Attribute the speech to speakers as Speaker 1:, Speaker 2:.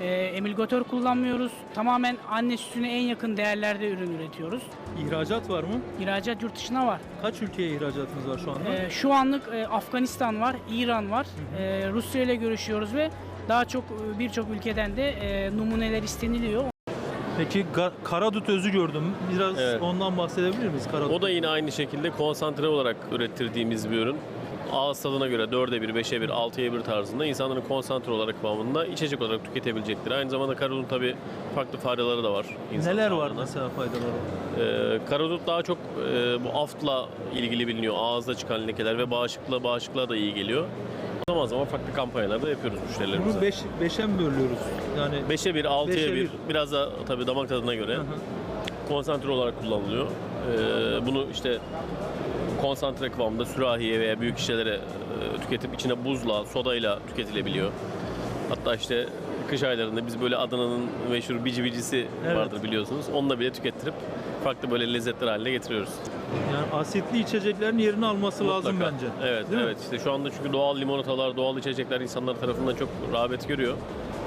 Speaker 1: Emülgatör kullanmıyoruz. Tamamen anne sütüne en yakın değerlerde ürün üretiyoruz.
Speaker 2: İhracat var mı?
Speaker 1: İhracat yurt dışına var.
Speaker 2: Kaç ülkeye ihracatınız var şu anda?
Speaker 1: Şu anlık Afganistan var, İran var. Rusya ile görüşüyoruz ve daha çok birçok ülkeden de numuneler isteniliyor.
Speaker 2: Peki karadut özü gördüm. Biraz
Speaker 3: Evet.
Speaker 2: ondan bahsedebilir miyiz? Karadut.
Speaker 3: O da yine aynı şekilde konsantre olarak ürettirdiğimiz bir ürün. Ağız tadına göre 4'e 1, 5'e 1, 6'ya 1 tarzında insanların konsantre olarak kıvamında içecek olarak tüketebilecektir. Aynı zamanda karadutun tabii farklı faydaları da var. insan
Speaker 2: Neler var
Speaker 3: sağlığına.
Speaker 2: mesela faydaları?
Speaker 3: Karadut daha çok bu aftla ilgili biliniyor. Ağızda çıkan lekeler ve bağışıklığa da iyi geliyor. Zaman zaman farklı kampanyalarda yapıyoruz müşterilerimize.
Speaker 2: Bunu 5'e mi bölüyoruz? Yani
Speaker 3: 5'e 1, 6'ya
Speaker 2: 5'e
Speaker 3: 1,
Speaker 2: 1.
Speaker 3: biraz da tabii damak tadına göre konsantre olarak kullanılıyor. Bunu işte konsantre kıvamda sürahiye veya büyük şişelere tüketip içine buzla, sodayla tüketilebiliyor. Hatta işte kış aylarında biz böyle Adana'nın meşhur bici bicisi
Speaker 2: Evet.
Speaker 3: vardır biliyorsunuz. Onunla bile tükettirip farklı böyle lezzetler haline getiriyoruz.
Speaker 2: Yani asitli içeceklerin yerini alması lazım
Speaker 3: Mutlaka.
Speaker 2: bence.
Speaker 3: Evet,
Speaker 2: Değil mi?
Speaker 3: evet. İşte şu anda çünkü doğal limonatalar, doğal içecekler insanlar tarafından çok rağbet görüyor.